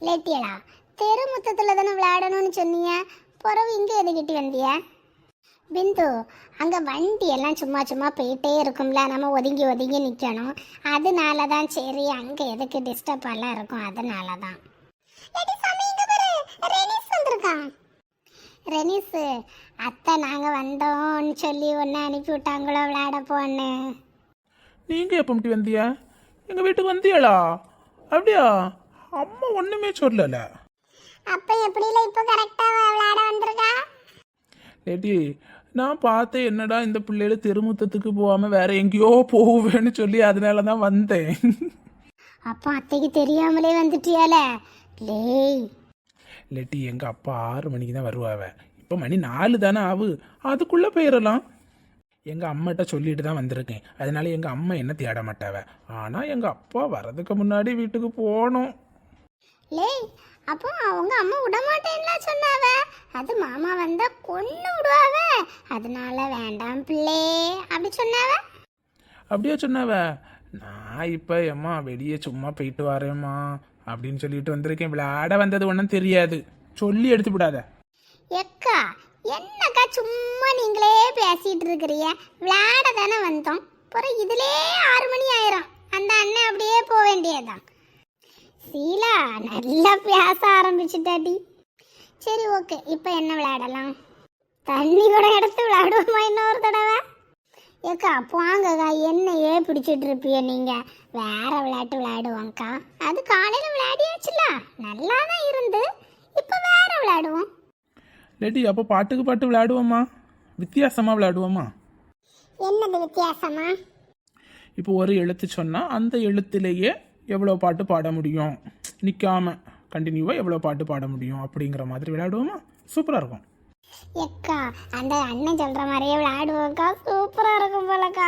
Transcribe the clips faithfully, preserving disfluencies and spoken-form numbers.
லேட்டியலா தெரு முத்தத்தில் தானே விளையாடணும்னு சொன்னீங்க, பிறகு இங்கே எதுக்கிட்டு வந்திய? பிந்து, அங்கே வண்டி எல்லாம் சும்மா சும்மா போயிட்டே இருக்கும்ல, நம்ம ஒதுங்கி ஒதுங்கி நிற்கணும். அதனால தான் சரி, அங்கே எதுக்கு டிஸ்டர்ப் எல்லாம் இருக்கும், அதனால தான். ரெனிஸு அத்தை நாங்கள் வந்தோம்னு சொல்லி ஒன்று அனுப்பி விட்டாங்களோ விளையாட போன்னு. நீங்கள் எப்போ மட்டும் வந்தியா? எங்கள் வீட்டுக்கு வந்தியாளா? அப்படியா? அம்மா ஒன்றுமே சொல்லல. அப்போ எப்படில இப்போ கரெக்டாக விளையாட வந்திருக்கா? லேட்டி, நான் பார்த்தேன் என்னடா இந்த பிள்ளைகள் தெருமுத்தத்துக்கு போகாமல் வேற எங்கேயோ போவேன்னு சொல்லி அதனால தான் வந்தேன். அப்போ அத்தைக்கு தெரியாமலே வந்துட்டியால லேய். லேட்டி, எங்கள் அப்பா ஆறு மணிக்கு தான் வருவாவ. இப்போ மணி நாலு தானே ஆகு, அதுக்குள்ளே போயிடலாம். எங்கள் அம்மாட்ட சொல்லிட்டு தான் வந்திருக்கேன். அதனால எங்கள் அம்மா என்ன தேட மாட்டாவ. ஆனால் எங்கள் அப்பா வர்றதுக்கு முன்னாடி வீட்டுக்கு போகணும். லேய், அப்போ அவங்க அம்மா விட மாட்டேன்னா சொன்னாவ. அது மாமா வந்தா கொன்னு விடுவாவ, அதனால வேண்டாம் பிள்ளை அப்படி சொன்னாவ. அப்படியே சொன்னாவ. நான் இப்போ ஏம்மா வெளியே சும்மா போயிட்டு வரேம்மா அப்படின்னு சொல்லிட்டு வந்திருக்கேன். விளையாட வந்தது ஒன்றும் தெரியாது, சொல்லி எடுத்து விடாத. எக்கா என்னக்கா சும்மா நீங்களே பேசிட்டு இருக்கிறீங்க? விளையாட தானே வந்தோம், அப்புறம் இதுலே ஆறு மணி ஆயிரும். அந்த அண்ணன் அப்படியே போக வேண்டியதுதான். சீலா நல்லா பேச ஆரம்பிச்சுட்டாடி. சரி ஓகே, இப்போ என்ன விளையாடலாம்? தண்ணி கூட எடுத்து விளையாடுவோமா இன்னொரு தடவை? ஏக்கா போங்கக்கா, என்னையே பிடிச்சிட்டு இருப்பிய நீங்கள். வேற விளையாட்டு விளையாடுவோங்க்கா. அது காலையில் விளையாடியாச்சுல, நல்லா தான் இருந்து. இப்போ வேற விளையாடுவோம். லேட்டி, அப்போ பாட்டுக்கு பாட்டு விளையாடுவோமா? வித்தியாசமாக விளையாடுவோமா? என்னது வித்தியாசமா? இப்போ ஒரு எழுத்து சொன்னால் அந்த எழுத்துலேயே எவ்வளோ பாட்டு பாட முடியும், நிற்காம கண்டினியூவாக எவ்வளோ பாட்டு பாட முடியும் அப்படிங்கிற மாதிரி விளையாடுவோமா? சூப்பராக இருக்கும். எக்கா அந்த அண்ணன் சொல்கிற மாதிரியே விளையாடுவோக்கா, சூப்பராக இருக்கும் போலக்கா.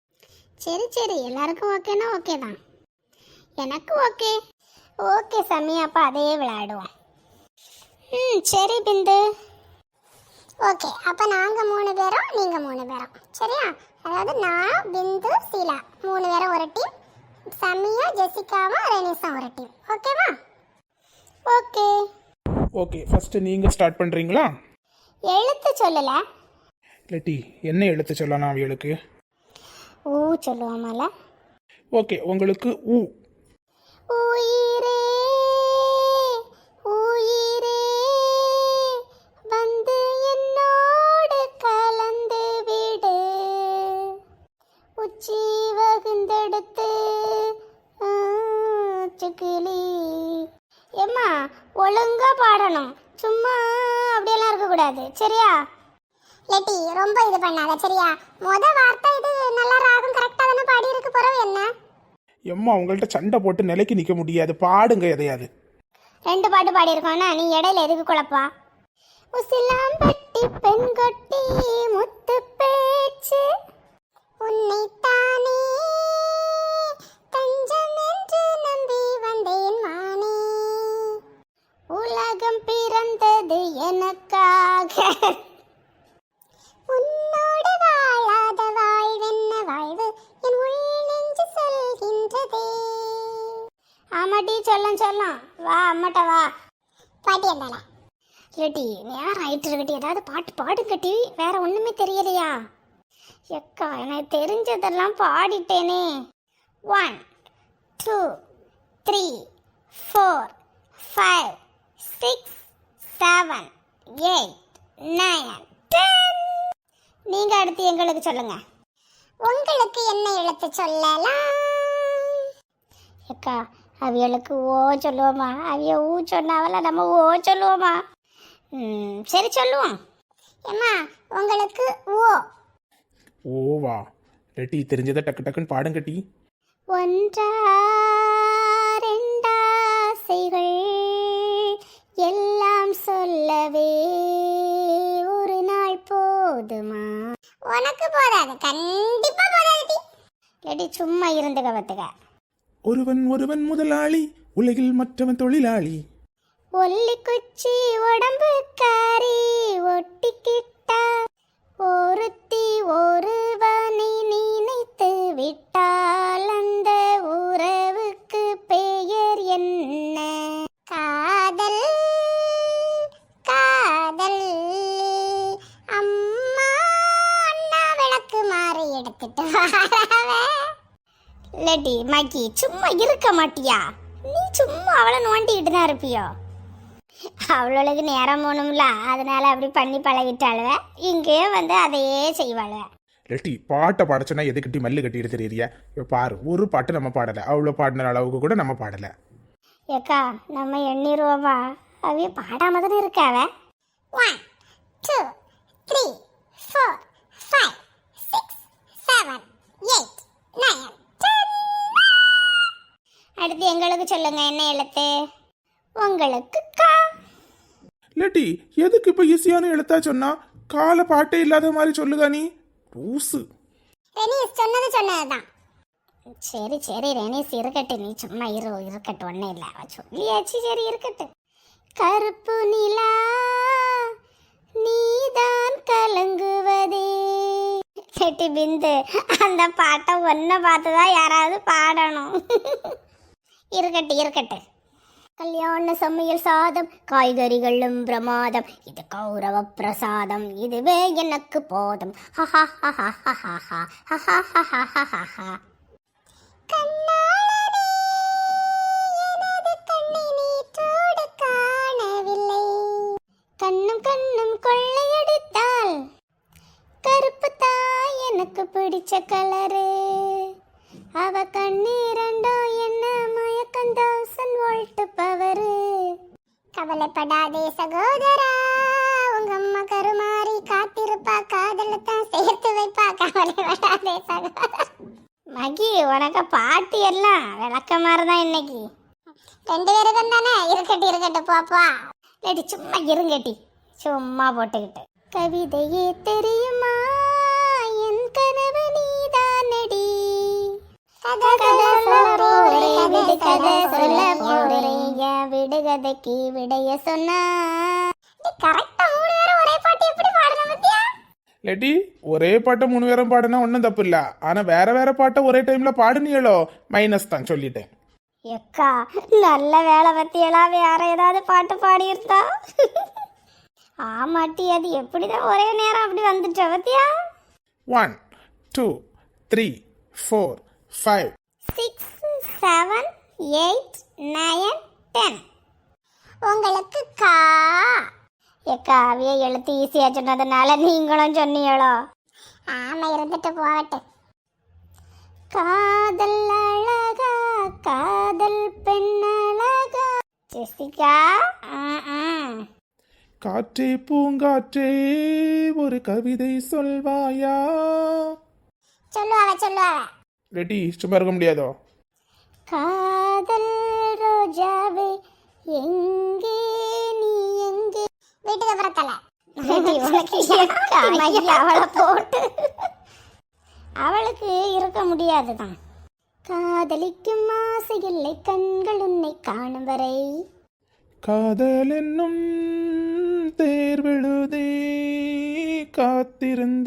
சரி சரி, எல்லாருக்கும் ஓகேனா ஓகே தான். எனக்கு ஓகே. ஓகே சாமி, அப்போ அதே விளையாடுவோம். ம் சரி பிந்து. ஓகே, அப்போ நாங்கள் மூணு பேரும் நீங்கள் மூணு பேரும் சரியா? அதாவது நான் பிந்து சீலா மூணு பேரும் ஒரு டீம், சமியா ஜெசிகாவும் ரெனிஸும் ஒரு டீம். ஓகேவா? ஓகே ஓகே, ஃபர்ஸ்ட் நீங்கள் ஸ்டார்ட் பண்ணுறீங்களா? எழுத்து சொல்லல. லேட்டி, என்ன எழுத்து சொல்லலாம் அவளுக்கு? ஊ சொல்லுவோமால? ஓகே, உங்களுக்கு ஊ. உயிரே உயிரே வந்து என்னோடு கலந்து விடு, உச்சி வகுந்தெடுத்து சுக்கிலி. ஏம்மா ஒழுங்கா பாடணும், சும்மா அப்படியெல்லாம் இருக்கக்கூடாது சரியா? லெட்டி ரொம்ப இது பண்ணாத சரியா? முத வார்த்தை இது நல்லா ராகம் கரெக்டாக தானே பாடி இருக்கு, பிறகு என்ன? எம்மா உங்கள்கிட்ட சண்டை போட்டு நிலைக்கு நிற்க முடியாது, பாடுங்க எதையாது. ரெண்டு பாட்டு பாடி இருக்கோம்னா நீ இடையில எதுக்கு குழப்பா? உசிலாம்பட்டி பெண்கொட்டி முத்து பேச்சு உன்னைத்தானே தஞ்சம் என்று நம்பி வந்தேன் மானே, உலகம் பிறந்தது எனக்காக, உன்னோடு வாழாத வாழ்வென்ன வாழ்வு என் உள் நெஞ்சு சொல்கின்றதே. ஆமாட்டி சொல்லம் சொல்லம், வா அம்மாட்ட வா. பாட்டி இருந்தால ஏட்டி நேரம் ஆயிட்டு இருக்கட்டி, ஏதாவது பாட்டு பாடுங்கட்டி, வேற ஒண்ணுமே தெரியலையா? எக்கா எனக்கு தெரிஞ்சதெல்லாம் பாடிட்டேனே. One two three four five six seven eight nine ten. நீங்க அடுத்து எங்களுக்கு சொல்லுங்க. உங்களுக்கு என்ன எழுத்து சொல்லலாம்? எக்கா அவியலுக்கு ஓ சொல்லுவோமா? அவிய ஊ சொன்னாவல, நம்ம ஓ சொல்லுவோமா? ம் சரி சொல்லுவோம். ஏம்மா உங்களுக்கு ஓ. ஓவா? லேட்டி, தெரிஞ்சதை டக்கு டக்குன்னு பாடுங்கட்டி. ஒன்றா ரெண்டாசைகள் எல்லாம் சொல்லவே ஒரு நாள் போதுமா? உனக்கு போதாது, கண்டிப்பா போதாது. லேடி சும்மா இருந்து கவத்துக்க. ஒருவன் ஒருவன் முதலாளி, உலகில் மற்றவன் தொழிலாளி. ஒல்லி குச்சி உடம்பு காரி ஒட்டிக்கிட்டா, ஒருத்தி ஒருவனை நினைத்து விட்டால் அந்த உறவுக்கு பெயர் என்ன? கா இல்லட்டி மக்கி சும்மா இருக்க மாட்டியா? நீ சும்மா அவளை நோண்டிக்கிட்டு தான் இருப்பியோ? அவளுக்கு நேரம் போகணும்ல, அதனால அப்படி பண்ணி பழகிட்டாளுவ. இங்கேயே வந்து அதையே செய்வாளுவ. லெட்டி பாட்டை பாடச்சோன்னா எதுக்கிட்டி மல்லு கட்டிட்டு தெரியறியா? இப்போ பாரு, ஒரு பாட்டு நம்ம பாடலை, அவ்வளோ பாடின அளவுக்கு கூட நம்ம பாடலை. ஏக்கா நம்ம எண்ணிருவோவா? அவைய பாடாம தானே இருக்காவ. One two three four five six seven eight nine ten. அடுத்து எங்களுக்கு சொல்லுங்க, என்ன எழுத்து? உங்களுக்கு கா. லெட்டி எதுக்கு இப்போ ஈஸியான எழுத்தா சொன்னா? கால பாட்டே இல்லாத மாதிரி சொல்லுதா நீ? ரூசு. ரெனிஸ் சொன்னது சொன்னதுதான். சரி சரி ரெனிஸ் இருக்கட்டு, நீ சும்மா இரு இருக்கட்டு, ஒன்றும் இல்லை, அவ சொல்லியாச்சு, சரி இருக்கட்டு. கருப்பு நிலா நீதான் கலங்குவதே. செட்டி பிந்து, அந்த பாட்டை ஒன்றை பார்த்துதான் யாராவது பாடணும். இருக்கட்டு இருக்கட்டு. கல்யாண சமையல் சாதம், காய்கறிகளும் பிரமாதம், இது கௌரவ பிரசாதம், இதுவே எனக்கு போதும். கண்ணும் கண்ணும் கொள்ளையடித்தால் கருப்பு தாய் எனக்கு பிடிச்ச கலரு. அவ கண்ணீரண்டோ என்ன மயக்கம் தௌசண்ட் வோல்ட் பவரு. கவலைப்படாதே சகோதரா, உங்க அம்மா கருமாறி காத்திருப்பா, காதலத்தான் சேர்த்து வைப்பா, கவலைப்படாதே சகோதரா. மகி உனக்கு பாட்டு எல்லாம் விளக்க மாதிரிதான் இன்னைக்கு. ரெண்டு பேரும் தானே, இருக்கட்டு இருக்கட்டு பாப்பா. லேடி சும்மா இருங்கட்டி, சும்மா போட்டுக்கிட்டு. கவிதையே தெரியுமா என் கனவு நீதானடி. விடுகதைக்கு விடைய சொன்னா கரெக்டா மூணு பேரும் ஒரே பாட்டு எப்படி பாடணும் பத்தியா? லெட்டி ஒரே பாட்டை மூணு பேரும் பாடுனா ஒன்றும் தப்பு இல்லை, ஆனால் வேற வேற பாட்டை ஒரே டைம்ல பாடுனீங்களோ மைனஸ் தான், சொல்லிட்டேன். எக்கா நல்ல வேலை பத்தியெல்லாம் வேற ஏதாவது பாட்டு பாடியிருந்தா. ஆமாட்டி, அது எப்படிதான் ஒரே நேரம் அப்படி வந்துட்டா பத்தியா? One two three four five six seven eight nine ten. உங்களுக்கு கா. எக்கா அவிய எழுத்து ஈஸியா சொன்னதுனால நீங்களும் சொன்னீங்களோ? ஆமா, இருந்துட்டு போகட்டு. காதல் அழகா, காதல் பெண் அழகா. ஜெசிகா, காற்றே பூங்காற்றே ஒரு கவிதை சொல்வாயா? சொல்லுவாவ சொல்லுவாவ. லெட்டி சும்மா இருக்க முடியாதோ? காதல் ரோஜாவே எங்கே நீ எங்கே. வீட்டுக்கு புறத்தல அவளை போட்டு அவளுக்கு இருக்க முடியாதுதான். காதலிக்கும் ஆசை இல்லை கண்கள் உன்னை காணும் வரை. காதல் என்னும் தேர்வெழுதே காத்திருந்த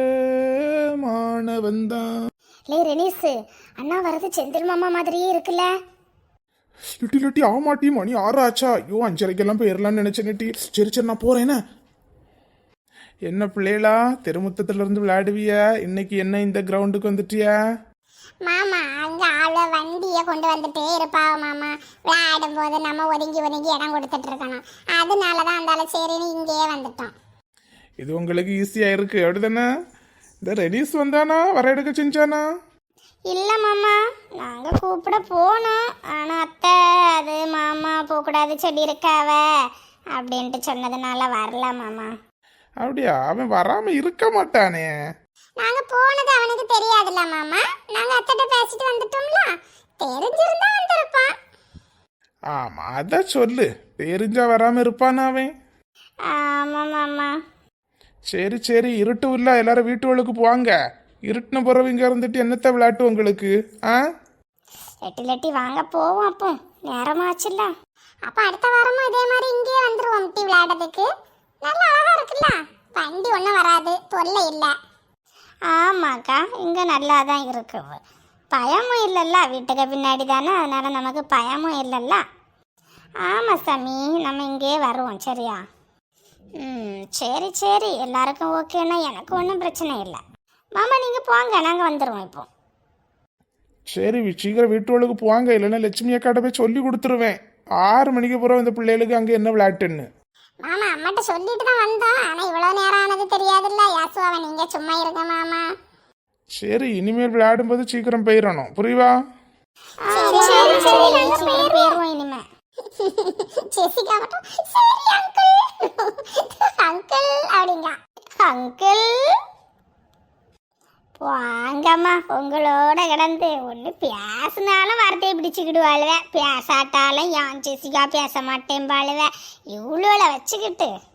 மாணவன்தான். லே ரெனிஸ், அண்ணா வரது செந்தில் மாமா மாதிரியே இருக்குல்ல? லிட்டி லிட்டி ஆமாட்டி, மணி ஆறு ஆச்சா? ஐயோ அஞ்சரைக்கெல்லாம் போயிடலான்னு நினைச்சேன் நெட்டி. சரி சரி நான் போறேன். என்ன பிள்ளைகளா தெருமுத்தத்துல இருந்து விளையாடுவியா? இன்னைக்கு என்ன இந்த கிரவுண்டுக்கு வந்துட்டியா? மாமா அங்க ஆள வண்டிய கொண்டு வந்துட்டே இருப்பாவ மாமா. விளையாடும் போது நம்ம ஒதுங்கி ஒதுங்கி இடம் கொடுத்துட்டு இருக்கணும், அதனாலதான் அந்த சரின்னு இங்கேயே வந்துட்டோம். இது உங்களுக்கு ஈஸியா இருக்கு அப்படிதானே? இந்த ரெனிஸ் வந்தானா வர எடுக்க செஞ்சானா? இல்ல மாமா, நாங்க கூப்பிட போனோம், ஆனா அத்தை அது மாமா போகக்கூடாது சொல்லி இருக்காவ அப்படின்ட்டு சொன்னதுனால வரல மாமா. அப்படியா? அவன் வராம இருக்க மாட்டானே. நாங்க போனது அவனுக்கு தெரியாதுல்ல மாமா, நாங்க அத்தைட்ட பேசிட்டு வந்துட்டோம்ல, தெரிஞ்சிருந்தா வந்திருப்பான். ஆமா அத சொல்லு, தெரிஞ்சா வராம இருப்பானா அவன்? ஆமா மாமா. சரி சரி, இருட்டு இல்ல, எல்லாரும் வீட்டுகளுக்கு போவாங்க. இருட்டுன பிறவிங்க இருந்துட்டு என்னத்த விளையாட்டு உங்களுக்கு? ஆ லெட்டி லெட்டி வாங்க போவோம், அப்போ நேரமாச்சுல்ல. அப்ப அடுத்த வாரமும் இதே மாதிரி இங்கேயே வந்துருவோம் டீ விளையாடுறதுக்கு. நல்லா அழகா இருக்குல்ல, வண்டி ஒன்றும் வராது, தொல்லை இல்லை. ஆமாக்கா, இங்கே நல்லா தான் இருக்கு, பயமும் இல்லைல்ல, வீட்டுக்கு பின்னாடி தானே, அதனால நமக்கு பயமும் இல்லைல்ல. ஆமாம் சாமி, நம்ம இங்கேயே வருவோம் சரியா? ம் சரி சரி, எல்லாருக்கும் ஓகேன்னா எனக்கு ஒன்றும் பிரச்சனை இல்லை. மாமா நீங்கள் போங்க, நாங்கள் வந்துடுவோம் இப்போ. சரி சீக்கிரம் வீட்டுகளுக்கு போவாங்க, இல்லைன்னா லட்சுமி அக்காட்ட போய் சொல்லி கொடுத்துருவேன். ஆறு மணிக்கு போகிற இந்த பிள்ளைகளுக்கு அங்கே என்ன விளையாட்டுன்னு. மாமா அம்மாட்ட சொல்லிட்டு தான் வந்தோம், ஆனா இவ்வளவு நேரம் ஆனது தெரியாதுல்ல. யாசுவாவை நீங்க சும்மா இருங்க மாமா. சரி இனிமேல் விளையாடும்போது சீக்கிரம் போயிடணும், புரியுவா? சரி சரி சரி நாங்க போயிடுவோம் இனிமே. ஜெசிகா மட்டும் சரி அங்கிள் அங்கிள் அப்படிங்க. அங்கிள் வாங்கம்மா, உங்களோட கிடந்து ஒன்று பேசினாலும் வார்த்தையை பிடிச்சிக்கிடுவாளுவேன், பேசாட்டாலும் யான் ஜெசிகா பேச மாட்டேன் பாளுவேன். இவ்வளோ வச்சுக்கிட்டு